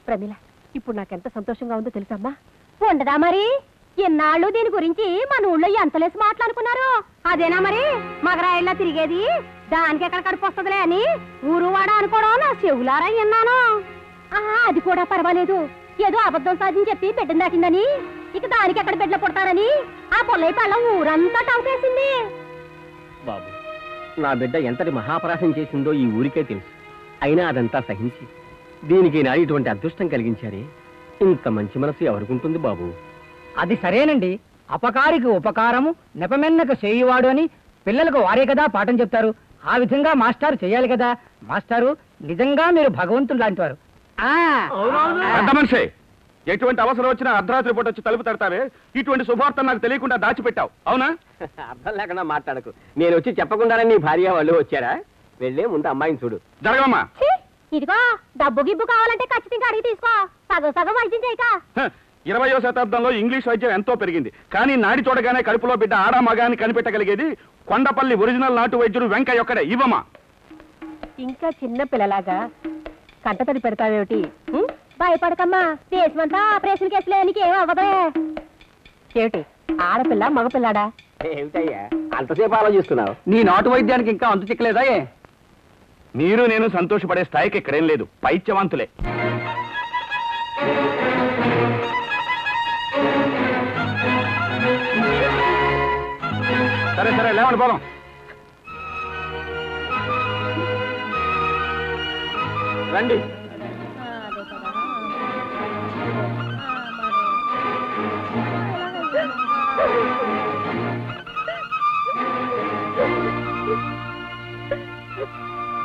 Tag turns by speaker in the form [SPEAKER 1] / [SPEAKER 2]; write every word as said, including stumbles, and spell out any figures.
[SPEAKER 1] ప్రమిళ, ఇప్పుడు నాకెంత సంతోషంగా ఉందో తెలుసమ్మా. ఉండదా మరి? ఎన్నాళ్ళు దీని గురించి మన ఊళ్ళో ఎంతలేసి మాట్లాడుకున్నారు. అదేనా మరి మగరాయిల్లా తిరిగేది? దానికి ఎక్కడ కడుపు వస్తుందిలే అని ఊరు వాడ అనుకోవడం నా చెవులారా విన్నాను. ఆహా, అది కూడా పర్వాలేదు. ఏదో అబద్ధం సాధించి చెప్పి బిడ్డను దాటిందని, ఇక దానికి ఎక్కడ బిడ్డలు పుడతారని ఆ పొల్లై పళ్ళం ఊరంతా టంకేసింది.
[SPEAKER 2] బాబు, నా బిడ్డ ఎంతటి మహాపరాశం చేసిందో ఈ ఊరికే తెలుసు. అయినా అదంతా సహించి దీనికి నా ఇటువంటి అదృష్టం కలిగించారే. ఇంత మంచి మనసు ఎవరికుంటుంది బాబు?
[SPEAKER 3] అది సరేనండి. అపకారికి ఉపకారము నెపమెన్నకు చేయువాడు అని పిల్లలకు వారే కదా పాఠం చెప్తారు. ఆ విధంగా మాస్టారు చేయాలి కదా. మాస్టారు, నిజంగా మీరు భగవంతుడు లాంటి వారు.
[SPEAKER 4] పెద్ద మనిషి, ఎటువంటి అవసరం వచ్చినా అర్ధరాత్రి పూట వచ్చి తలుపు తడతావే. ఇటువంటి శుభార్త నాకు తెలియకుండా దాచిపెట్టావు, అవునా?
[SPEAKER 2] అర్థం లేకుండా మాట్లాడకు. నేను వచ్చి చెప్పకుండానే నీ భార్య వాళ్ళు వచ్చారా? వెళ్ళే ముందు అమ్మాయిని చూడు.
[SPEAKER 4] జరగమ్మా.
[SPEAKER 1] ఇదిగో డబ్బు గిబ్బు కావాలంటే ఖచ్చితంగా అడిగి తీసుకో. సగం సగం వైద్యం చేయక.
[SPEAKER 4] ఇరవయో శతాబ్దంలో ఇంగ్లీష్ వైద్యం ఎంతో పెరిగింది. కానీ నాడి చూడగానే కడుపులో బిడ్డ ఆడ మగాని కనిపెట్టగలిగేది కొండపల్లి ఒరిజినల్ నాటు వైద్యుడు వెంకయ్య ఒక్కడే. ఇవ్వమా.
[SPEAKER 1] ఇంకా చిన్న పిల్లలాగా కంటతడి పెడతావేమిటి? భయపడకమ్మా, దేశమంతా ఆపరేషన్ కేసులే, నీకేం అవ్వదే. ఏమిటి ఆడపిల్ల మగపిల్లాడా?
[SPEAKER 2] ఏమిటయ్యా అంతసేపు ఆలోచిస్తున్నావు?
[SPEAKER 3] నీ నాటు వైద్యానికి ఇంకా అంతు చిక్కలేదా?
[SPEAKER 4] మీరు నేను సంతోషపడే స్థాయికి ఇక్కడేం లేదు. పైత్యవంతులే. సరే సరే లేవండి పోదాం.
[SPEAKER 2] రండి.